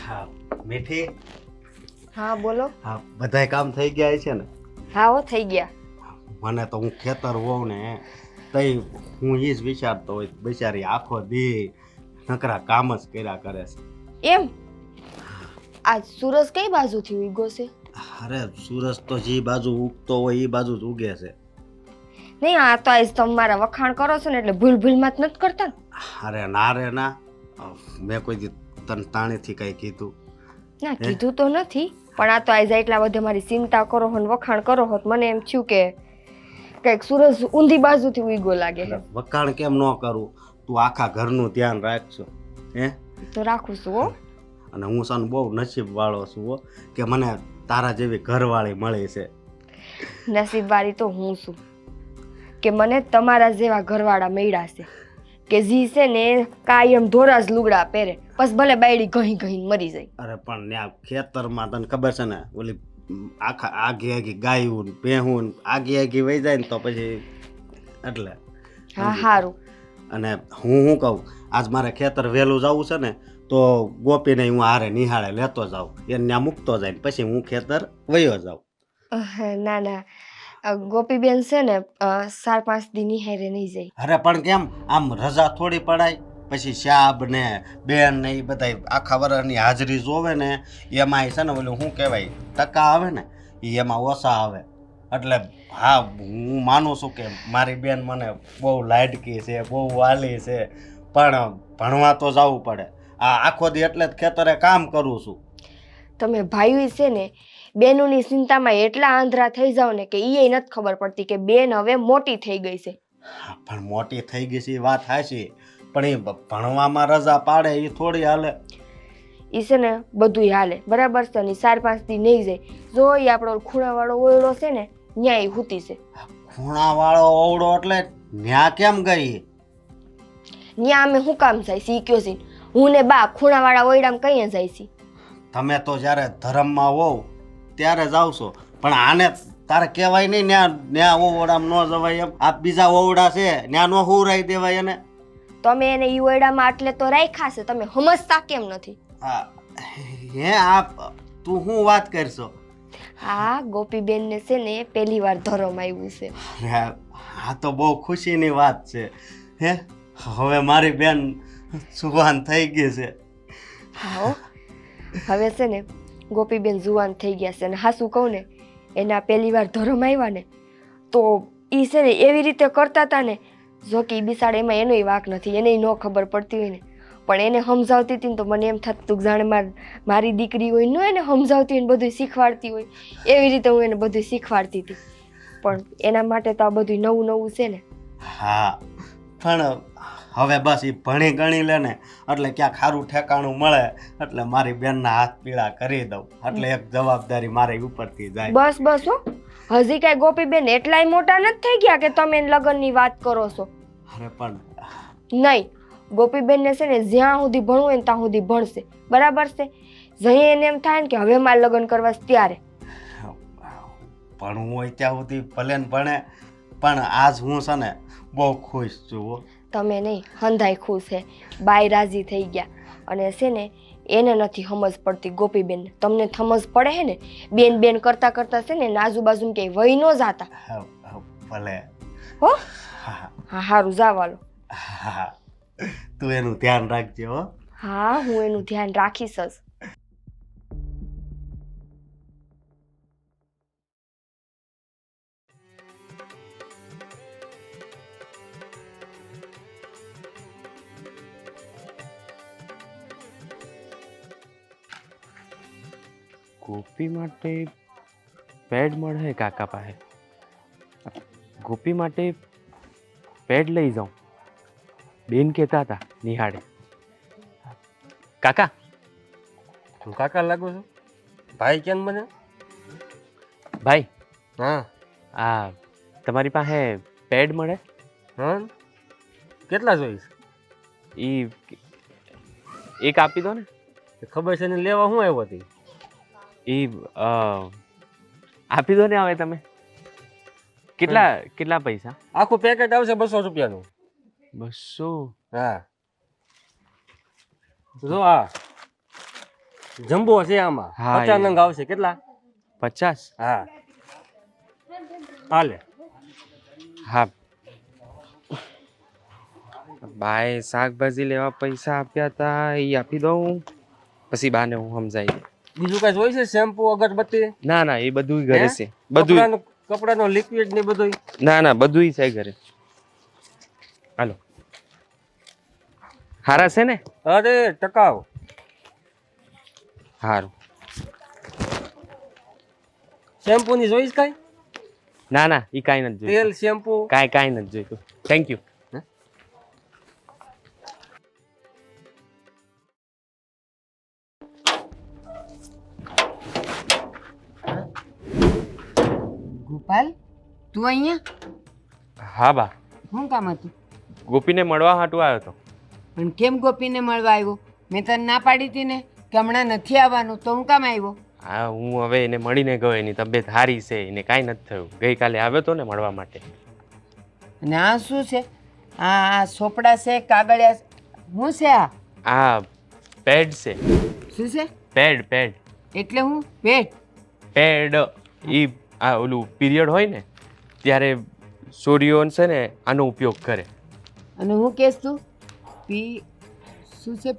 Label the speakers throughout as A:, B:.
A: હા મીઠી.
B: હા બોલો.
A: હા બધાય કામ થઈ ગયા છે ને?
B: હા હો થઈ ગયા.
A: મને તો હું ખેતર હોઉં ને તઈ હું એ જ વિચારતો હોય બિચારી આખો દી નકરા કામ જ કર્યા કરે છે.
B: એમ આજ સૂરજ કઈ બાજુથી ઉગ્યો છે?
A: અરે સૂરજ તો જે બાજુ ઉગતો હોય એ બાજુ જ ઉગે છે.
B: નહીં આ તો આજ તમે મારા વખાણ કરો છો ને એટલે ભૂલ ભૂલમાં જ નથી કરતા ને?
A: અરે ના રે ના, મેં કોઈ દી તને તાણીથી કઈ કીધું?
B: ના
A: હે?
B: કીધું તો નથી, પણ આ તો આજ એટલા બધે મારી ચિંતા કરો હો ને વખાણ કરો હોત મને એમ થયું કે કઈક સૂરજ ઊંધી બાજુથી ઉગ્યો લાગે
A: એટલે
B: છે.
A: વખાણ કેમ ન કરું? તું આખા ઘરનું ધ્યાન રાખજો. હે?
B: તો રાખું છું હો.
A: અને હું સાનું બહુ નસીબ વાળો છું હો કે મને તારા જેવી ઘરવાળી મળી છે.
B: નસીબ વાળી તો હું છું કે મને તમારા જેવા ઘરવાળા મળ્યા છે કે જી છે ને કાયમ ધોરા જ લુગડા પહેરે, બસ ભલે બાયડી ઘહી ઘહીને મરી જાય.
A: અરે પણ ત્યાં ખેતરમાં તને ખબર છે ને ઓલી આખા આગી ગાયું ને ભેહું આગી વહી જાય ને તો પછી એટલે
B: હા
A: સમજી.
B: સારું.
A: અને હું કહું આજ મારે ખેતર વહેલું જવું છે ને તો ગોપીને હું હારે નિહાળે લેતો જાઉં, એને ત્યાં મૂકતો જાય ને પછી હું ખેતર વયો જાઉં.
B: ના ના ગોપીબેન છે ને 4-5 દી નિહારે નહીં જાય.
A: અરે પણ કેમ આમ રજા થોડી પડાય? પછી શાબ ને બેન ને એ બધા આખા વર્ષની હાજરી જોવે ને એમાં છે ને ઓલું શું કહેવાય ટકા આવે ને એ એમાં ઓછા આવે. એટલે હા હું માનું છું કે મારી બેન મને બહુ લાડકી છે, બહુ વાલી છે, પણ ભણવા તો જવું પડે. આ આખો દી એટલે જ ખેતરે કામ કરું છું.
B: તમે ભાઈ છે ને બેનોની ચિંતામાં એટલા આંધળા થઈ જાવ ને કે એ નથી ખબર પડતી કે બેન હવે મોટી થઈ ગઈ છે.
A: હા, પણ મોટી થઈ ગઈ છે એ વાત હાચી, પણ એ ભણવામાં રજા પાડે એ થોડી હાલે.
B: એ છે ને બધું હાલે બરાબર છે ને 4-5 દી નહીં જાય. જો એ આપણો ખૂણાવાળો ઓયડો છે ને ન્યા એ હુતી છે.
A: ખૂણાવાળો ઓવડો એટલે ન્યા કેમ ગઈ?
B: ન્યા અમે શું કામ જાય છે ઈ કયો છે? હું ને બા ખૂણાવાળા ઓયડામાં કઈ જાય છે?
A: તમે તો જ્યારે ધર્મમાં હોવ ત્યારે જ આવશો, પણ આને તારે કહેવાય નહીં ન્યા ઓવડામાં ન જવાય એમ. આ બીજા ઓવડા છે ન્યા નો હુરાઈ દેવાય એને.
B: તમે એને ઈ ઓયડામાં આટલે તો રાખ્યા છે, તમે સમજતા કેમ નથી?
A: હા હે આપ તું શું વાત કરશો?
B: હા ગોપીબેન ને છે ને પહેલી વાર ધરમ આવ્યું છે.
A: આ તો બહુ ખુશીની વાત છે. હે હવે મારી બેન સુવાન થઈ ગઈ છે.
B: હા હવે છે ને ગોપીબેન જુવાન થઈ ગયા છે અને હાસું કહું ને એના પહેલી વાર ધરમ આવ્યા ને તો એ છે ને એવી રીતે કરતા હતા ને જો કે બિસાડ એમાં એનોય વાંક નથી, એને ન ખબર પડતી હોય ને પણ એને સમજાવતી હતી ને તો મને એમ થતું જાણે મારી દીકરી હોય ને એને સમજાવતી હોય ને બધું શીખવાડતી હોય એવી રીતે હું એને બધું શીખવાડતી હતી. પણ એના માટે તો આ બધું નવું નવું છે ને.
A: હા પણ હવે બસ એ ભણી ગણી લે ને એટલે ક્યાંક સારું ઠેકાણું મળે એટલે મારી બેનના હાથ પીળા કરી દઉં એટલે એક જવાબદારી મારી ઉપરથી જાય.
B: બસ બસ હો, હજી કાંઈ ગોપીબેન એટલાય મોટા નથી થઈ ગયા કે તમે એને લગ્નની વાત કરો છો.
A: અરે પણ
B: નહીં, ગોપીબેનને છે ને જ્યાં સુધી ભણવું હોય ને ત્યાં સુધી ભણશે બરાબર છે. જઈ એને એમ થાય ને કે હવે મારે લગ્ન કરવા છે ત્યારે
A: ભણવું હોય ત્યાં સુધી ભલે ને ભણે, પણ આજ હું છે ને બહુ ખુશ છું.
B: તમે નહીં હંધાઈ ખુશ છે, બાય રાજી થઈ ગયા. અને છે ને એને નથી સમજ પડતી ગોપીબેનને, તમને સમજ પડે છે ને બેન બેન કરતા કરતા છે ને આજુબાજુ ક્યાંય વહી ન જાતા.
A: ભલે
B: હો
A: હા
B: હા સારું જાવાલો.
A: હા તું એનું ધ્યાન રાખજે હો.
B: હા હું એનું ધ્યાન રાખીશ જ.
C: ગોપી માટે પેડ મળે કાકા પાસે. ગોપી માટે પેડ લઈ જાઉં. બેન કહેતા હતા નિહાળે. કાકા
D: હું કાકા લાગુ છું? ભાઈ કેમ બને?
C: ભાઈ
D: હા
C: આ તમારી પાસે પેડ મળે?
D: હા કેટલા જોઈશ?
C: એ એક આપી દો ને.
D: ખબર છે ને લેવા હું આવ્યો હતી?
C: એ આપી દો ને હવે તમે. કેટલા કેટલા પૈસા?
D: આખું પેકેટ આવશે 200 રૂપિયાનું.
C: 200?
D: હા જો આ જમ્બો છે આમાં
C: હા,
D: 50
C: એ.
D: નંગ આવશે કેટલા
C: 50.
D: હા હાલે
C: હા બાએ શાકભાજી લેવા પૈસા આપ્યા હતા એ આપી દઉં પછી બાને હું સમજાવી દઉં.
D: બીજું કઈ જોઈ છે શેમ્પુ અગરબત્તી
C: ના ના એ બધું ઘરે
D: હે?
C: છે બધું.
D: કપડાનો લિક્વિડ ને બધું
C: ના ના બધું છે ઘરે. હાલો હારા છે ને?
D: અરે ટકાવ
C: હારું.
D: શેમ્પુ ની જોઈશ કઈ
C: ના ના એ કાંઈ નથી
D: તેલ
C: જોઈતું.
D: શેમ્પુ
C: કાંઈ નથી જોઈતું. Thank you.
E: ગોપાલ તું અહીંયા
C: હા બા
E: શું કામ હતું
C: ગોપીને મળવા હાટું આવ્યો હતો.
E: પણ કેમ ગોપીને મળવા આવ્યો મેં તને ના પાડી હતી ને કે હમણાં નથી આવવાનું તો હું કામ આવ્યો
C: હા હું હવે એને મળીને ગયો એની તબિયત સારી છે એને કાંઈ નથી થયું ગઈકાલે આવ્યો હતો ને મળવા માટે.
E: અને આ શું છે આ સોપડા છે કાગળિયા શું છે
C: આ પેડ છે.
E: શું છે
C: પેડ પેડ
E: એટલે હું પેટ
C: પેડ ઈ આ ઓલું પીરિયડ હોય ને ત્યારે છોરીઓ છે ને આનો ઉપયોગ કરે.
E: અને હું કહેશ તું પી શું છે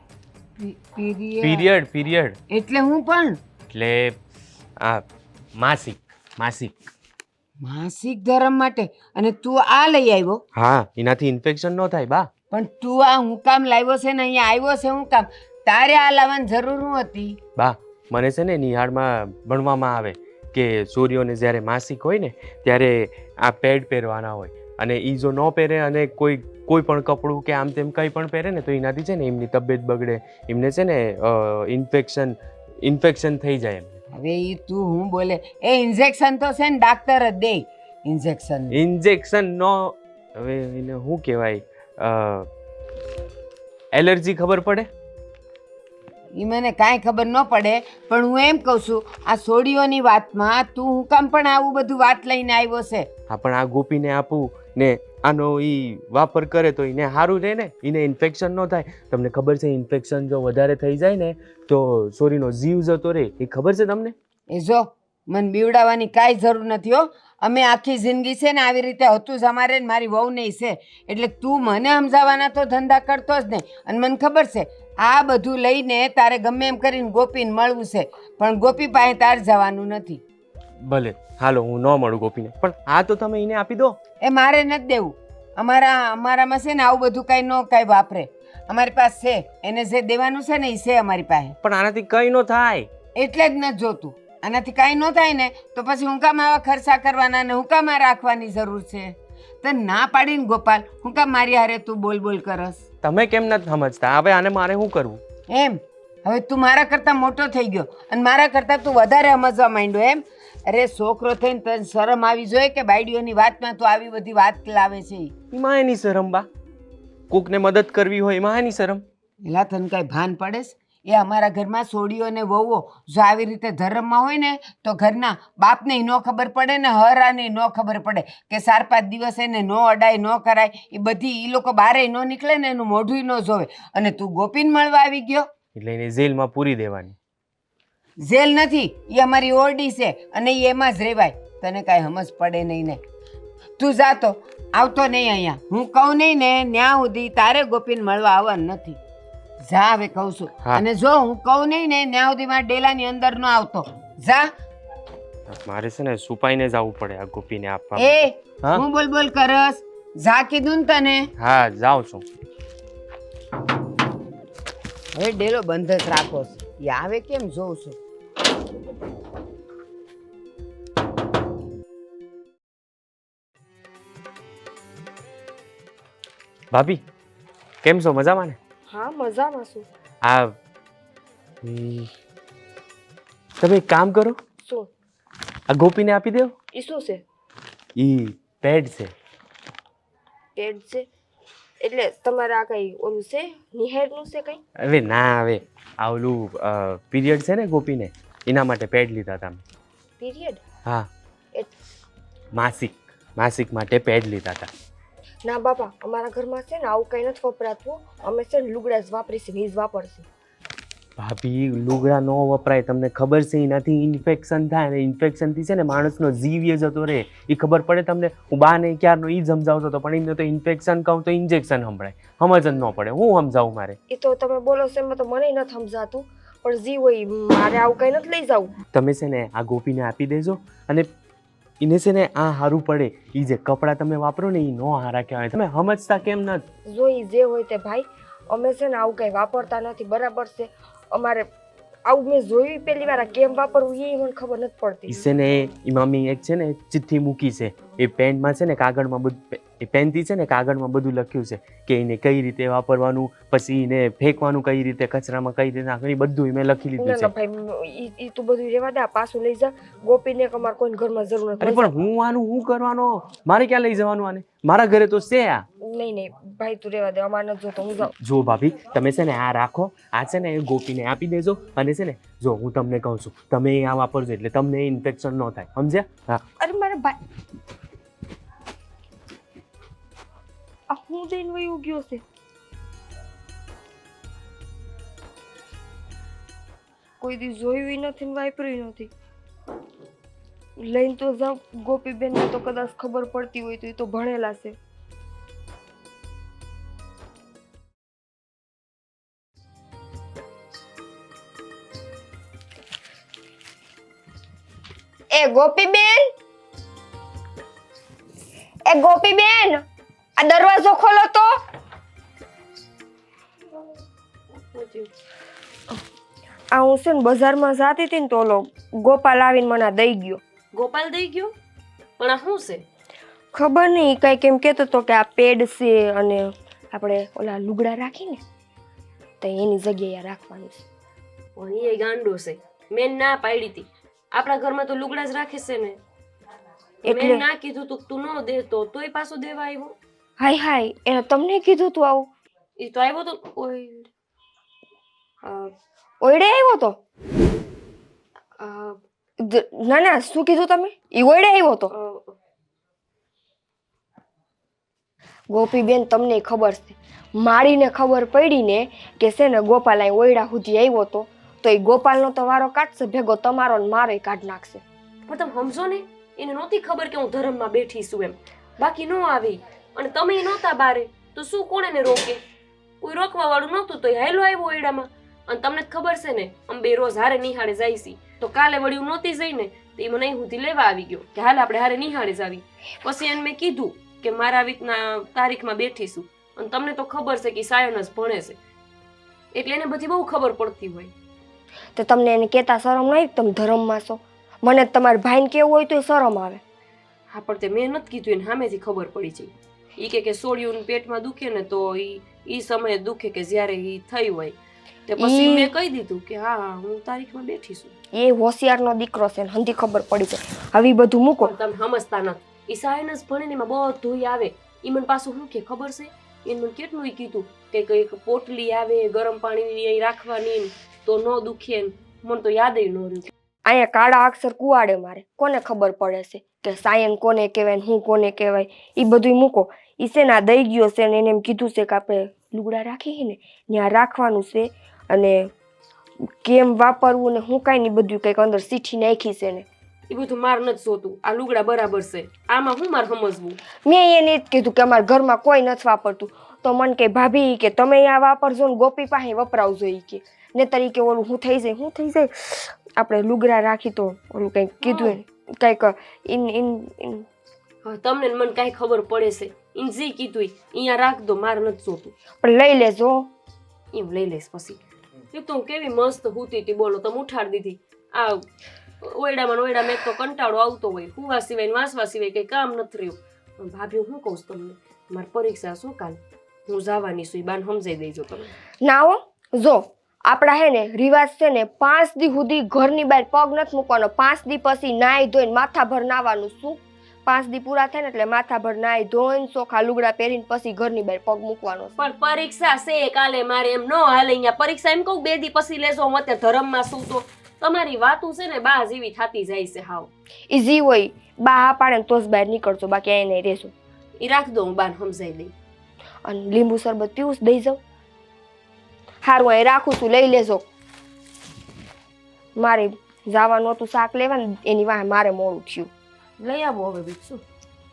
E: પીરિયડ
C: પીરિયડ પીરિયડ
E: એટલે હું પણ
C: એટલે આ માસિક માસિક.
E: માસિક ધર્મ માટે અને તું આ લઈ આવ્યો
C: હા એનાથી ઇન્ફેક્શન ન થાય બા.
E: પણ તું આ હું કામ લાવ્યો છે ને અહીંયા આવ્યો છે હું કામ તારે આ લાવવાની જરૂર હું હતી
C: બા મને છે ને નિહાળમાં ભણવામાં આવે કે છોરીઓને જ્યારે માસિક હોય ને ત્યારે આ પેડ પહેરવાના હોય અને એ જો ન પહેરે અને કોઈ પણ કપડું કે આમ તેમ કંઈ પણ પહેરે ને તો એનાથી છે ને એમની તબિયત બગડે એમને છે ને ઇન્ફેક્શન થઈ જાય એમ.
E: હવે એ તું હું બોલે એ ઇન્જેક્શન તો છે ને ડાક્ટર જ દે ઇન્જેક્શન
C: ઇન્જેક્શન નો હવે એને શું કહેવાય એલર્જી ખબર પડે.
E: એ મને કાંઈ ખબર ન પડે પણ હું એમ કહું છું આ સોડીઓની વાતમાં તું હું કામ પણ આવું બધું વાત લઈને આવ્યો છે
C: હા પણ આ ગોપીને આપું ને આનો ઈ વાપર કરે તો એને સારું રહે ને એને ઇન્ફેક્શન ન થાય. તમને ખબર છે ઇન્ફેક્શન જો વધારે થઈ જાય ને તો સોરીનો જીવ જતો રહે એ ખબર છે તમને?
E: એ જો મને બીવડાવવાની કાંઈ જરૂર નથી હો અમે આખી જિંદગી છે ને આવી રીતે હતું જ અમારે ને મારી વહુ નહીં છે એટલે તું મને સમજાવવાના તો ધંધા કરતો જ નહીં અને મને ખબર છે આ બધું લઈને તારે ગમે એમ કરીને ગોપીને મળવું છે પણ ગોપી પાસે તાર જવાનું નથી.
C: ભલે હાલો હું ન મળું ગોપીને પણ આ તો તમે એને આપી દો.
E: એ મારે નથી દેવું અમારામાં છે ને આવું બધું કાંઈ ન કાંઈ વાપરે અમારી પાસે છે એને જે દેવાનું છે ને એ છે અમારી પાસે
C: પણ આનાથી કંઈ ન થાય.
E: એટલે જ નથી જોતું આનાથી કાંઈ ન થાય ને તો પછી હું કામ આવા ખર્ચા કરવાના ને હું કામ આ રાખવાની જરૂર છે તને ના પાડીને ગોપાલ હું કામ મારી હારે તું બોલ બોલ કરસ
C: તમે કેમ નથી સમજતા? હવે આને મારે શું કરવું?
E: એમ હવે તું મારા કરતાં મોટો થઈ ગયો અને મારા કરતાં તું વધારે સમજવા માંડ્યો એમ અરે છોકરો થઈને તને શરમ આવી જોઈએ કે બાયડીઓની વાતમાં તું આવી બધી વાત લાવે છે
C: એમાં એની શરમ બા કોકને મદદ કરવી હોય એમાં એની શરમ.
E: એલા તને કાંઈ ભાન પડે છે એ અમારા ઘરમાં સોડીઓ ને વહુઓ જો આવી રીતે ધર્મમાં હોય ને તો ઘરના બાપને ન ખબર પડે ને હરાને ન ખબર પડે કે 4-5 દિવસ એને ન અડાય ન કરાય એ બધી એ લોકો બારે ન નીકળે ને એનું મોઢું ન જોવે અને તું ગોપીને મળવા આવી ગયો
C: એટલે એને જેલમાં પૂરી દેવાની.
E: જેલ નથી એ અમારી ઓરડી છે અને એ એમાં જ રહેવાય તને કાંઈ સમજ પડે નહીં ને તું જાતો આવતો નહીં અહીંયા હું કહું નહીં ને ન્યા સુધી તારે ગોપીને મળવા આવવાનું નથી જા હવે કહું છું
C: હા.
E: અને જો હું કહું નહીં ને ત્યાં સુધી મારા ડેલાની અંદર ન આવતો જા
C: મારે છે ને સુપાઈને જવું પડે આ ગોપીને આપવા.
E: એ
C: હા?
E: હું બોલ બોલ કરસ જા કીધું ને તને
C: હા જાઉં છું.
E: હવે ડેલો બંધ જ રાખો છે એ આવે કેમ જોઉં છું
C: ભાભી કેમ છો? મજામાં ને?
B: હા મજામાં છું.
C: આ તમે એક કામ કરો
B: શું?
C: આ ગોપીને આપી દો.
B: એ શું છે?
C: ઈ પેડ છે.
B: પેડ છે એટલે તમારે આ કઈ ઓલું છે નિહેરનું છે કઈ?
C: હવે ના હવે આ ઓલું પીરિયડ છે ને ગોપીને એના માટે પેડ લીધા હતા અમે.
B: પીરિયડ?
C: હા
B: એ
C: માસિક માટે પેડ લીધા હતા.
B: ના બાપા અમારા ઘરમાં છે ને આવું કઈ નથી વપરાતું અમે છે ને લુગડા જ વાપરીશું ને ઈ જ વાપરશું.
C: ભાભી લુગડા ન વપરાય, તમને ખબર છે એનાથી ઇન્ફેક્શન થાય ને ઇન્ફેક્શનથી છે ને માણસનો જીવ એ જતો રહે. એ ખબર પડે તમને? હું બાને ક્યારનો એ સમજાવતો હતો પણ એને તો ઇન્ફેક્શન કહું તો ઇન્જેક્શન સંભળાય, સમજ જ ન પડે. હું સમજાવું મારે?
B: એ તો તમે બોલો છો એમાં તો મને નથી સમજાતું, પણ જી હોય મારે આવું કંઈ નથી લઈ જવું.
C: તમે છે ને આ ગોપીને આપી દેજો અને એને છે ને આ સારું પડે. એ જે કપડાં તમે વાપરો ને એ નો હારા કહેવાય. તમે સમજતા કેમ નથી?
B: જો ઈ જે હોય તે ભાઈ, અમે છે ને આવું કંઈ વાપરતા નથી, બરાબર છે. અમારે આવું મેં જોયું પહેલી વાર, આ કેમ વાપરવું એ મને ખબર નથી પડતી.
C: ઈ છે ને એ મમ્મી એક છે ને ચિઠ્ઠી મૂકી છે, એ પેનમાં છે ને કાગળમાં બધું, એ પેનથી છે ને કાગળમાં બધું લખ્યું છે કે એને કઈ રીતે વાપરવાનું, પછી એને ફેંકવાનું કઈ રીતે, કચરામાં કઈ રીતે નાખવાનું, બધું મેં લખી
B: ના
C: લીધું
B: ના
C: છે.
B: ભાઈ, ઈ તું બધું રહેવા દે, આ પાછું લઈ જા. ગોપીને કે અમારે કોઈ ઘરમાં જરૂર
C: અરે
B: નથી.
C: પણ હું આનું શું કરવાનો? મારે ક્યાં લઈ જવાનું આને? મારા ઘરે તો છે આ.
B: નહીં નહીં ભાઈ, તું રહેવા દે, અમારે નથી જોતો, હું જાઉં.
C: જો ભાભી તમે છે ને આ રાખો, આ છે ને ગોપીને આપી દેજો. અને છે ને જો હું તમને કહું છું, તમે આ વાપરજો એટલે તમને ઇન્ફેક્શન ન થાય, સમજ્યા? હા.
B: અરે મારા ભાઈ, આ હું જઈને વયું ગયો છે. કોઈ દી જોયું નથી ને વાપર્યું નથી. લઈને તો જાઉં, ગોપીબેનને તો કદાચ ખબર પડતી હોય તો એ તો ભણેલા છે. એ ગોપીબેન, એ ગોપીબેન, આ દરવાજો ખોલો તો. આ હું છે ને બજારમાં જાતી હતી ને તો ઓલો ગોપાલ આવીને મને આ દઈ ગયો.
F: ગોપાલ દઈ ગયો? પણ આ શું છે?
B: ખબર નહીં, કંઈક એમ કહેતો હતો કે આ પેડ છે અને આપણે ઓલા લુગડા રાખીને તો એની જગ્યાએ આ રાખવાનું છે.
F: પણ એ ગાંડો છે, મેં ના પાડી હતી. આપણા ઘરમાં તો લુગડા જ રાખે છે ને.
B: એટલે-
F: મેં ના કીધું તું, તું ન દેતો તોય પાછો દેવા આવ્યો.
B: હાય હાય, એને તમને કીધું તું આવું?
F: એ તો આવ્યો તો
B: ઓયડે આવ્યો તો? ના ના, શું કીધું તમે? ઈ ઓયડે આવ્યો તો? ગોપીબેન, તમને ખબર છે, મારીને ખબર પડી ને કે છે ને ગોપાલ અહીં ઓયડા સુધી આવ્યો તો એ ગોપાલનો તો વારો કાઢશે ભેગો, તમારો ને મારો કાઢ નાખશે.
F: પણ તમે સમજો ને, એને નહોતી ખબર કે હું ધર્મમાં બેઠી છું એમ. બાકી નો આવી, અને તમે નહોતા બારે તો શું કોણ એને રોકે? કોઈ રોકવા વાળું નહોતું તો હેલો આવ્યો ઓયડામાં. અને તમને જ ખબર છે ને, અમે બે રોજ હારે નિહાળે જાય છે. તો કાલે વળી હું નહોતી જઈ ને તો એ મને અહીં સુધી લેવા આવી ગયો કે હાલ આપણે હારે નિહાળે જ આવી. પછી એને મેં કીધું કે મારા આવી રીતના તારીખમાં બેઠીશું. અને તમને તો ખબર છે કે સાયન જ ભણે છે એટલે એને બધી બહુ ખબર પડતી હોય.
B: તો તમને એને કહેતા શરમ નહીં? તમે ધર્મમાં છો, મને તમારા ભાઈને કેવું હોય તો શરમ આવે.
F: હા, પણ તે મેં નથી કીધું, એને સામેથી ખબર પડી જાય. એ કે સોડિયું પેટમાં દુખે ને તો ઈ સમયે દુખે કે જ્યારે ઈ થઈ હોય. તે પછી મેં કહી દીધું કે હા હું તારીખમાં બેઠી છું.
B: એ હોશિયારનો દીકરો છે ને હંધી ખબર પડી છે. હવે ઈ બધું મૂકો.
F: પણ તમે સમજતા નથી. ઈ સાયન્સ ભણે ને એમાં બધું આવે. ઈ મને પાછું શું કે ખબર છે, એને મને કેટલું કીધું કે કઈક પોટલી આવે ગરમ પાણીની રાખવાની તો ન દુખે. મને તો યાદ ન રહ્યું.
B: અહીંયા કાળા અક્ષર કુવાડે મારે, કોને ખબર પડે છે કે સાયન કોને કહેવાય ને હું કોને કહેવાય? એ બધું મૂકો. ઈ છે ને આ દઈ ગયો છે ને એને એમ કીધું છે કે આપણે લુગડા રાખીએ ને ત્યાં રાખવાનું છે અને કેમ વાપરવું ને હું કાંઈ નહીં બધું કંઈક અંદર સીઠી નાખી છે ને.
F: એ બધું માર નથી જોતું. આ લુગડા બરાબર છે, આમાં હું મારે સમજવું?
B: મેં એને જ કીધું કે અમારા ઘરમાં કોઈ નથી વાપરતું. તો મને કે ભાભી કે તમે અહીંયા વાપરજો ને ગોપી પાસે વપરાવજો ઈ કે ને તરીકે ઓલું હું થઈ જાય આપણે લુગડા રાખી તો ઓલું કંઈક કીધું કંઈક
F: તમને મને કાંઈ ખબર પડે છે? ઇન જે કીધું અહીંયા રાખ દો, મારે નથી જોતું.
B: પણ લઈ લેજો.
F: એમ લઈ લઈશ પછી. એક તો હું કેવી મસ્ત હુતી હતી, બોલો તમે ઉઠાડી દીધી. આ ઓયડામાં એક તો કંટાળો આવતો હોય, હુવા સિવાય ને વાંસવા સિવાય કઈ કામ નથી રહ્યું. ભાભી હું કહું તમને, મારી પરીક્ષા શું કાલ હું જવાની છું, એ બાન સમજાઈ દેજો તમે.
B: ના હો, જો આપણા હે ને રિવાજ છે ને 5 દી સુધી ઘરની બહાર પગ નથી મૂકવાનો. 5 દી પછી નાઈ ધોઈને માથાભર નાવાનું. શું 5 દી પૂરા થાય ને એટલે માથાભર નાઈ ધોઈને ચોખા લુગડા પહેરીને પછી ઘરની બહાર પગ મૂકવાનો.
F: પણ પરીક્ષા છે કાલે, મારે એમ ન હાલે. અહીંયા પરીક્ષા એમ કહું 2 દી પછી લેજો. હું અત્યારે ધર્મમાં શું તો તમારી વાતું છે ને બા જેવી થતી જાય છે. હાવ
B: ઈઝી હોય, બા હા પાડે ને તો જ બહાર નીકળજો, બાકી અહીં નહીં રહેશો.
F: એ રાખ દો, હું બાન સમજાઈ દઈ.
B: અને લીંબુ શરબત પીવું દઈ જાઉં? સારું અહીં રાખું છું, લઈ લેજો. મારે જવાનું હતું શાક લેવાનું, એની વાંહે મારે મોડું થયું.
F: લઈ આવો હવે બીજું શું.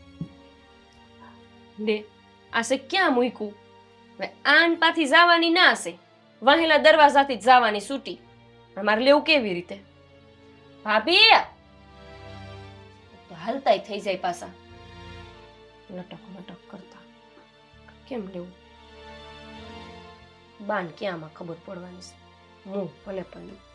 F: લે આ છે ક્યાં મૂક્યું? હવે આન પાથી જવાની ના હશે, વાહેલા દરવાજાથી જ જવાની છૂટી. પણ મારે લેવું કેવી રીતે? ભાભી હાલતાય થઈ જાય પાછા લટક લટક કરતા. કેમ લેવું? બાન ક્યાંમાં ખબર પડવાની છે. હું ભલે પણ